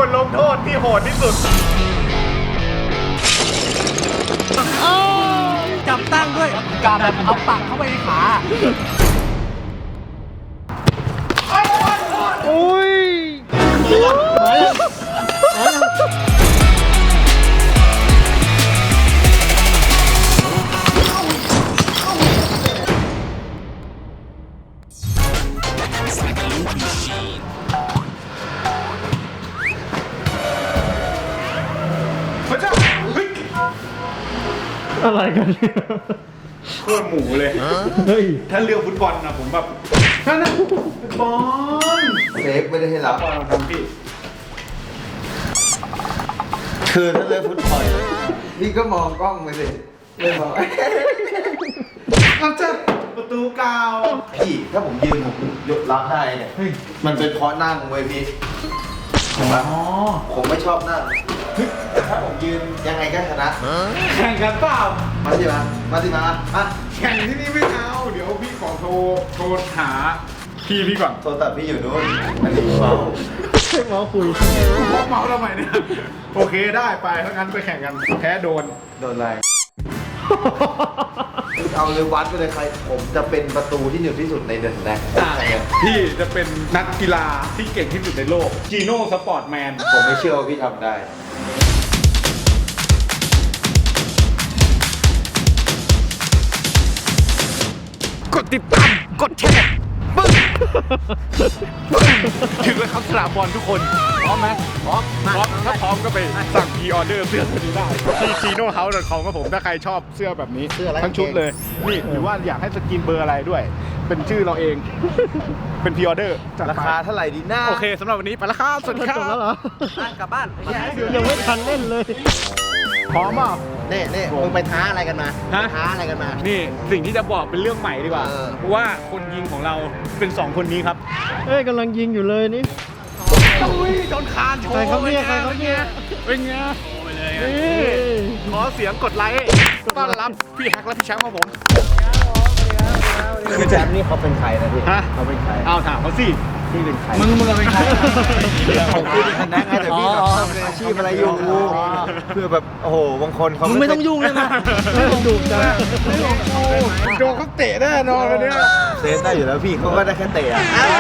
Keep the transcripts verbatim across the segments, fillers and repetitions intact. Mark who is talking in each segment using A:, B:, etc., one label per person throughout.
A: ทลงโทษที่โหดที่สุด
B: จับตั้งด้วยการแบบเอาปากเข้าไปในขา
A: โอ้ย
C: อะไรกันเนี่ย
A: โคตรหมูเลย
C: เฮ้ย
A: ถ้าเรื่องฟุตบอลนะผมแบบนั่นนะฟุตบอล
D: เซฟไม่ได้ให้รับ
A: ทำพี่
D: คือถ้าเล่นฟุตบอลพี่ก็มองกล้องไปสิไม่มอง
A: เอาจ้ะประตูเก่า
D: พี่ถ้าผมยืนผมยกรับได้เนี่ยมันเป็นเพราะนั่งเว้ยพี่ผมว่าผมไม่ชอบนั่งแต่ถ้าผมยืนยังไงก็ชนะ
A: แข่งกันเปล่า
D: มาสิมามาสิมาอ่ะ
A: แข่งที่นี่ไม่เอาเดี๋ยวพี่ขอโทรโทรหาพี่พี่ก่อน
D: โทรตัดพี่อยู่นู้นอันนี้เมา
C: เมาคุย
A: เมาทำไมเนี่ยโอเคได้ไปถ้างั้นไปแข่งกันแพ้โดน
D: โดนอะไรเอาเลยวัดไปเลยใครผมจะเป็นประตูที่เหนือที่สุดในเดือนแรก
A: พี่จะเป็นนักกีฬาที่เก่งที่สุดในโลกจีโน่สปอร์ตแมน
D: ผมไม่เชื่อว่าพี่ทำได้
A: กดติดตามกดแชร์ปึ้งถึงแล้วครับสนามบอลทุกคนพร้อมไหมพร้อมพร้อมถ้าพร้อมก็ไปสั่งพรีออเดอร์เสื้อตัวนี้ได้ที่ จีโน่เฮาส์ ดอท คอม ครับผมถ้าใครชอบเสื้อแบบนี้ทั้งชุดเลยนี่หรือว่าอยากให้สกินเบอร์อะไรด้วยเป็นชื่อเราเองเป็นพรีออเดอร์
D: ราคาเท่าไหร่ดีหน้า
A: โอเคสำหรับวันนี้ไปแล้วครับสวัสดีครับ
C: จบแล้วเหรอก
B: ลับบ้าน
C: ยังไม่ทันเล่นเลย
A: พร้อมอ่ะ
D: เน่เน่มึงไปท้าอะไรกันมาท้าอะไรกันมา
A: นี่สิ่งที่จะบอกเป็นเรื่องใหม่ดีกว่าว่าคนยิงของเราเป็นสองคนนี้ครับ
C: เอ้ยกำลังยิงอยู่เลยนี่
A: อุ้ยโดนคานโชว์
C: ใครเขาเนี่ยใครเขาเนี่ย
A: เป็นไงนี่ขอเสียงกดไลค์ต้อนรับพี่แฮกและพี่แชมป์ของผม
D: คือแชมป์นี่เขาเป็นใครนะพี่เขาเป็นใคร
A: เอาถามเขาสิ
D: พี่เป็นใคร
B: มึงมึงเป็นใคร
D: ผมพี่เป็นคณะไงแต่พี่แบบทำอาชีพอะไรอยู่เพื่อแบบโอ้โหบางคนเขา
B: ไม่ต้องยุ่งเลยนะ
C: ไม่ต้องดุจ้ะ
A: โดนเขาเตะแน่นอนเลยเนี่ย
D: เซฟได้อยู่แล้วพี่เขาก็ได้แค่เตะ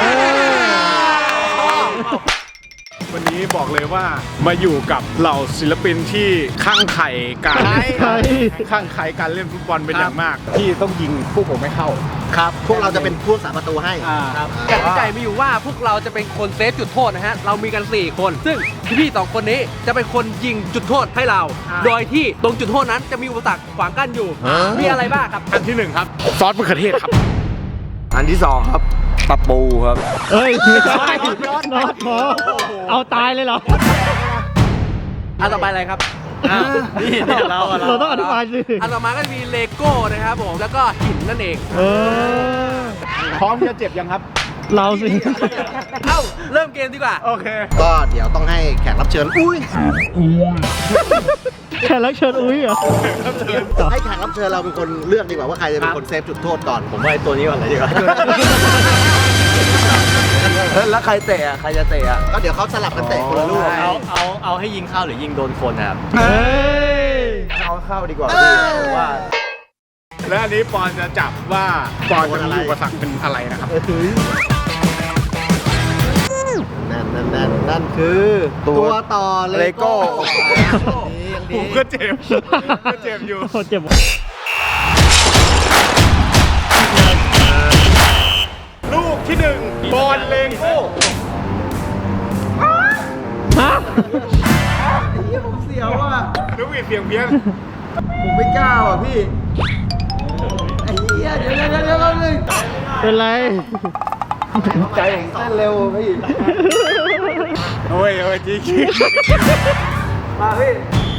A: วันนี้บอกเลยว่ามาอยู่กับเหล่าศิลปินที่ข้างไข่การข้างไข่การเล่นฟุตบอลเป็นอย่างมากที่ต้องยิงพวกผมไม่เข้า
D: ครับพวกเราจะเป็นผู้สาประตูให้
B: ครับกติกามีอยู่ว่าพวกเราจะเป็นคนเซฟจุดโทษนะฮะเรามีกันสี่คนซึ่งพี่ๆสองคนนี้จะเป็นคนยิงจุดโทษให้เราโดยที่ตรงจุดโทษนั้นจะมีอุปสรรคขวางกั้นอยู่มีอะไรบ้างครับ
A: อันที่หนึ่งครับซอสมะเขือเทศครับ
D: อันที่สองครับตะปูครับ
C: เฮ้ยไม่ใช่น็อตหมอเอาตายเลยเหรอ
B: อันต่อไปอะไรครับ
C: นี่เราเราต้องอธิบายสิ
B: อันต่อมาก็จะมีเลโก้นะครับผมแล้วก็หินนั่นเอง
C: เออ
A: พร้อมจะเจ็บยังครับ
C: เราสิ
B: เอ้าเริ่มเกมดีกว่า
A: โอเค
D: ก็เดี๋ยวต้องให้แขกรับเชิญอุ้ย
C: แขกรับเชิญอุ้ยเหรอ
D: ให้แขกรับเชิญเราเป็นคนเลือกดีกว่าว่าใครจะเป็นคนเซฟจุดโทษก่อนผมว่าตัวนี้ก่อนเลยดีกว่าแล้วใครเตะใครจะเตะก็เดี๋ยวเขาสลับกันเตะคนละลูก
B: เอาเอาเอาให้ยิงเข้าหรือยิงโดนคนครับ
C: เฮ้ย
D: เอาเข้าดีกว่าว่า
A: และอันนี้ปอนจะจับว่าปอนจะมีอุปสรรคเป็นอะไรนะครับ
D: นั่นนั่นนั่นนั่นคือตัวต่อเลโก้
A: ผมก็เจ็บก็เจ็บอยู่
C: เจ็บ
A: ลูกที่หนึ่งบอลเลโก้
C: ฮะ
D: ไอ้เหี้ยผมเสียวอ่ะ
A: ลูกอีเสียงเพี้ยน
D: ผมไม่กล้าอ่ะพี่ไอ้เหี้ยเดี๋ยวเดี๋ยวเดี๋ยวเดี๋ยวเลย
C: เป็นไร
D: ใจผมเต้นเร็วพี่
A: โอ้ยโอ้ยจริงจริง
D: มาพี่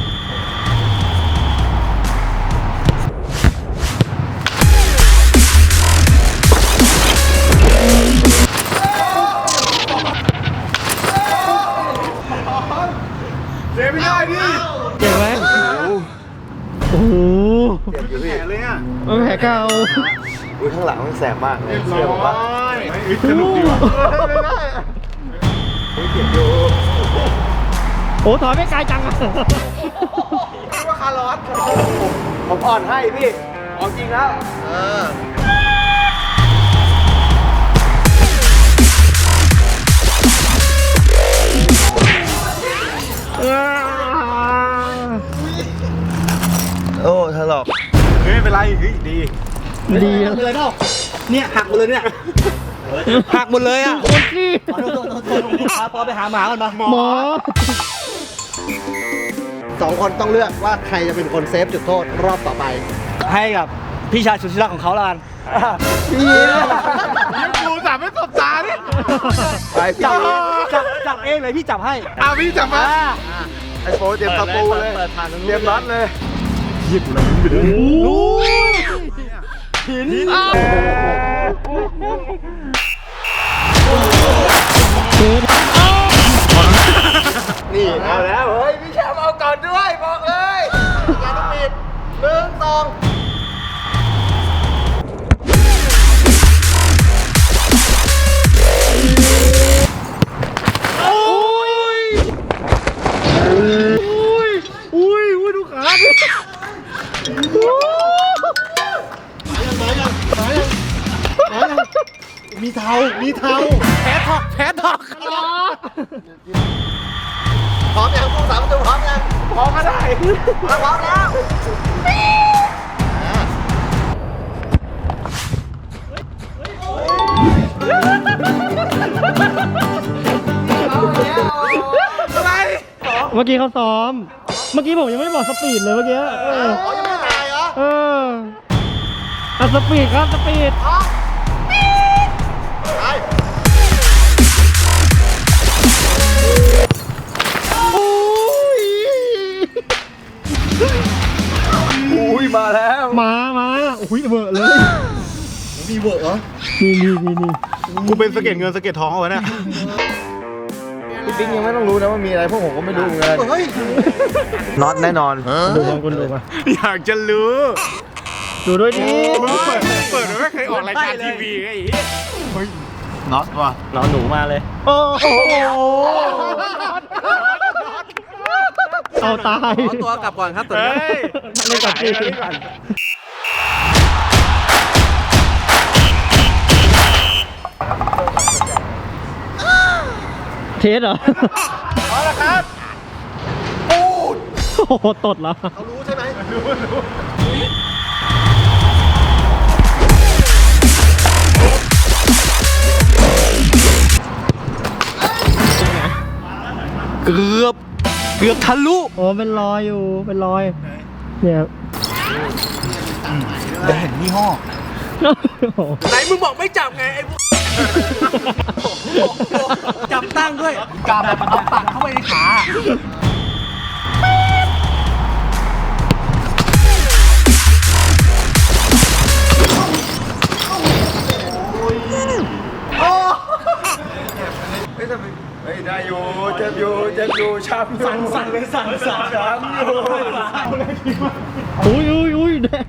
A: เจ็บไม่ได้ดิ
C: เจ็บไหมโอ้โห
D: เจ็บอยู่พี่
A: แผลเลยอ่ะ
C: มันแผลเก่า
D: อุ้ยข้างหลังมันแสบมากเลย
A: เชื่อผมปะสนุกดีว่ะ
D: เจ็บอยู่
C: โอ้ถอยไม่ไกลจังอะ
D: ว่าคาร์ลอส
B: ผมอ่อนให้พี่ของจริงแล้ว
D: เออ โอ้ถลอก
A: เฮ้ยไม่เป็นไรเฮ้ยดี
C: ดี
B: หักหมดเลยเนาะเนี่ยหักหมดเลยเนี่ยหักหมดเลยอ่ะ
C: คนที่
B: ขอโทษขอโทษขอโทษพาปอไปหาหมาก่อนปะ
C: หมอ
D: สองคนต้องเลือกว่าใครจะเป็นคนเซฟจุดโทษรอบต่อไป
B: ให้กับพี่ชายสุดที่รักของเขาละกัน
A: ยังกูจับไม่ตบตาดิ
D: ไปพี่
B: จับจับจับเองเลยพี่จับให้
A: เอาพี่จับมา
B: อ่า
D: ไอโฟเตรียมตะปูเลยเตรียมน็อตเลย
C: โอ้ย
B: หิน
D: นี่เอาแล้ว เฮ้ย พี่แชมป์เอาก่อนด้วย บอกเลยงานต้องปิดหนึ่งสอง
C: อุ้ยอุ้ยอุ้ยดูขาดิ
D: มีเทามีเทา
B: แพ้ถอกแพ้ถอก
D: พร้อมยังผู้สามประตูพร้อมยัง
B: พร้อมก็ได้
D: พร้อมแล้วเอาแล้ว
B: อะไร
C: เมื่อกี้เขาซ้อม เมื่อกี้ผมยังไม่บอกสปีดเลยเมื่อกี้ เออ
D: อ๋อยังไม่ตายเหรอ
C: เอออ่ะสปีดครับสปีด
D: ไป
B: อุ้ยมาแล้ว
C: มามาอุ้ยเบอะเลย
D: มีเวิร์กเหรอ
C: นี่นี่นี่นี่
A: กูเป็นสะเก็ดเงินสะเก็ดทองเอาไว้เนี่ย
D: พี่ปิ๊งยังไม่ต้องรู้นะว่ามีอะไรพวกผมก็ไม่รู้เหมือนกันน็อตแน่นอน
C: ดูมาคุณดูมา
A: อยากจะรู้
C: ดูด้วยดิ
A: มึงเปิดเปิดมันไม่เคยออกรายการทีวีไงไอ้เหี้ย
D: น็อตว่ะ
C: เราหนูมาเลย
A: โอ้โห
C: เอาตาย
B: ขอตัวกลับก่อนครับตัว
A: เฮ้
B: นี้
A: ย
C: เล่นกับพี่
A: เล่นก่อน
C: เทสเหรอ
A: เอาละครับ
C: โอ้โหตดเหรอ
D: เขารู้ใช่ไหมรู้
B: เกือบเกือบทะลุ
C: โอ้เป็นรอยอยู่ เป็นรอย เนี่ยครับ
D: ได้เห็นยี่ห้อ
C: โอ้โห
B: ไหนมึงบอกไม่จับไงไอ้พวกจับตั้งด้วยกาแบบเอาปากเข้าไปในขา
D: เฮ้ยเฮ้ยได้อยู่เจ็บอยู่เจ็บอยู่ช้ำอยู่สั่นสั่นเลยสั่นสั่นช้ำอยู่
C: อุ้ยอุ้ยอุ้ยแดง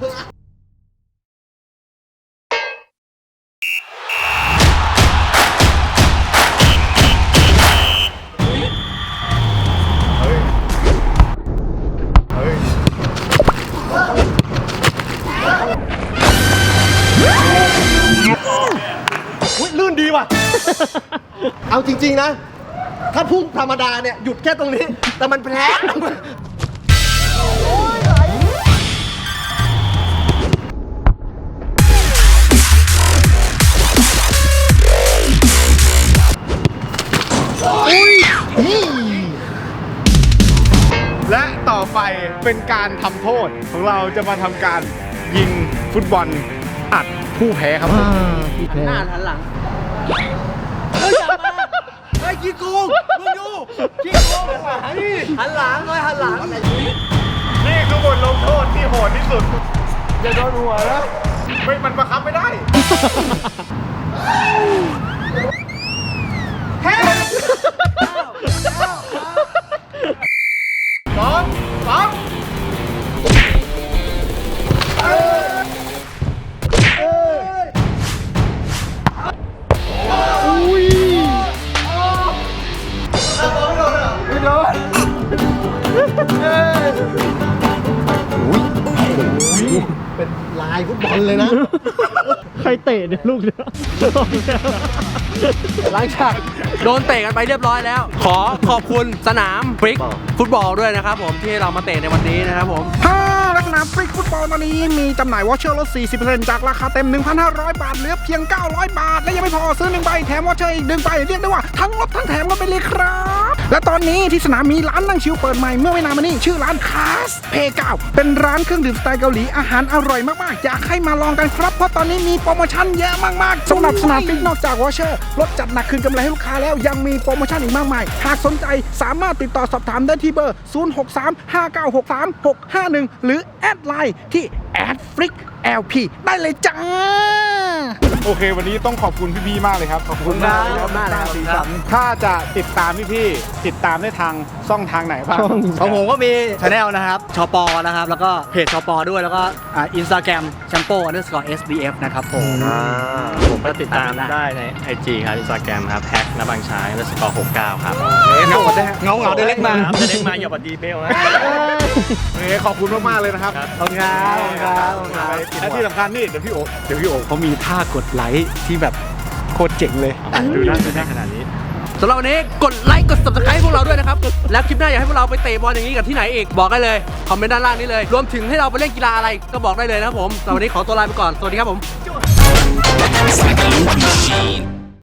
D: อุ้ยลื่นดีว่ะ เอาจริงๆนะ ถ้าพุ่งธรรมดาเนี่ย หยุดแค่ตรงนี้ แต่มันแพ้
A: และต่อไปเป็นการทำโทษของเราจะมาทำการยิงฟุตบอลอัดผู้แพ้ครับผม
C: อ่าพี่แพ้
B: หน้าหันหลังเฮ้ยอย่ามาเฮ้ยขี้โกงมึงดูขี้โกงหันหลังเลยหันหลัง
A: นี่คือบทลงโทษที่โหดที่สุด อย่าโดนหัวนะไม่มันบังคับไม่ได้สองสาม
C: อุ้ย
D: ถ้าบอลไม่โดนอ่ะ
A: โดน
D: เป็นลายฟุตบอลเลยนะ
C: ใครเตะเนี่ยลูกเนี่ย
B: หลังจากโดนเตะกันไปเรียบร้อยแล้ว ขอขอบคุณสนามฟริกฟุตบอลด้วยนะครับผมที่เรามาเตะในวันนี้นะครับผม
A: ฮ่าลักษณะฟรีฟุตบอลตอนนี้มีจำหน่ายวอเชอร์ลด สี่สิบเปอร์เซ็นต์ จากราคาเต็ม หนึ่งพันห้าร้อย บาท เหลือเพียง เก้าร้อย บาท และยังไม่พอซื้อหนึ่งใบแถมวอเชอร์อีกหนึ่งใบเรียกได้ว่าทั้งลดทั้งแถมกันไปเลยครับ และตอนนี้ที่สนามมีร้านนั่งชิลเปิดใหม่เมื่อไม่นานมานี้ชื่อร้านคาสเพเก้าเป็นร้านเครื่องดื่มสไตล์เกาหลีอาหารอร่อยมากๆอยากให้มาลองกันครับเพราะตอนนี้มีโปรโมชั่นเยอะมากๆสำหรับสนามฟรีนอกจากวอเชอร์ลดจัดหนักคืนกำไรให้ลูกค้าแล้วยังมีโปรโมชั่นอีกมากมายหากสนใจสามารถติดต่อสอบถามได้ที่เบอร์ ศูนย์ หก สาม ห้า เก้า หก สาม หก ห้า หนึ่ง หรือแอดไลน์ที่ แอด ฟลิก แอล พี ได้เลยจ้า โอเควันนี้ต้องขอบคุณพี่ๆมากเลยครับขอบคุณมาก
B: ขอบคุณมากเลยครับ
A: สีสันถ้าจะติดตามพี่ๆติดตามได้ทางช่องทางไหนบ้าง
E: ของผมก็มีช anel นะครับชปนะครับ แล้วก็เพจชปด้วย แล้วก็อินสตาแกรมแชมโปอันเดอร์สกอร์เอสบีเอฟนะครับผม
F: ผมก็ติดตามได้ใน ไอ จี ครับ อินสตาแกรมครับแฮกนบังชายแล้วสกอร์หกเก้าครับ
A: เงาได้เงาเงาได้เล็กมา
F: ครับจะเล็กมาอย่าบัดดีเบลนะ
A: โอเคขอบคุณมากๆเลยนะครับ
E: ขอบคุณครับขอบคุณครับขอบคุณครับ
A: และที่สำคัญนี่เดี๋ยวพี่โอ๊เดี๋ยวพี่โอ๊เขามีท่ากดไลค์ที่แบบโคตรเจ๋งเลยดูนะดูนะขนาดนี้
B: สำหรับวันนี้กดไลค์กด subscribe ให้พวกเราด้วยนะครับ แล้วคลิปหน้าอยากให้พวกเราไปเตะบอลอย่างนี้กับที่ไหนอีกบอกได้เลยคอมเมนต์ด้านล่างนี้เลย รวมถึงให้เราไปเล่นกีฬาอะไรก็บอกได้เลยนะครับผมสำหรับวันนี้ขอตัวลาไปก่อนสวัสดีครับผม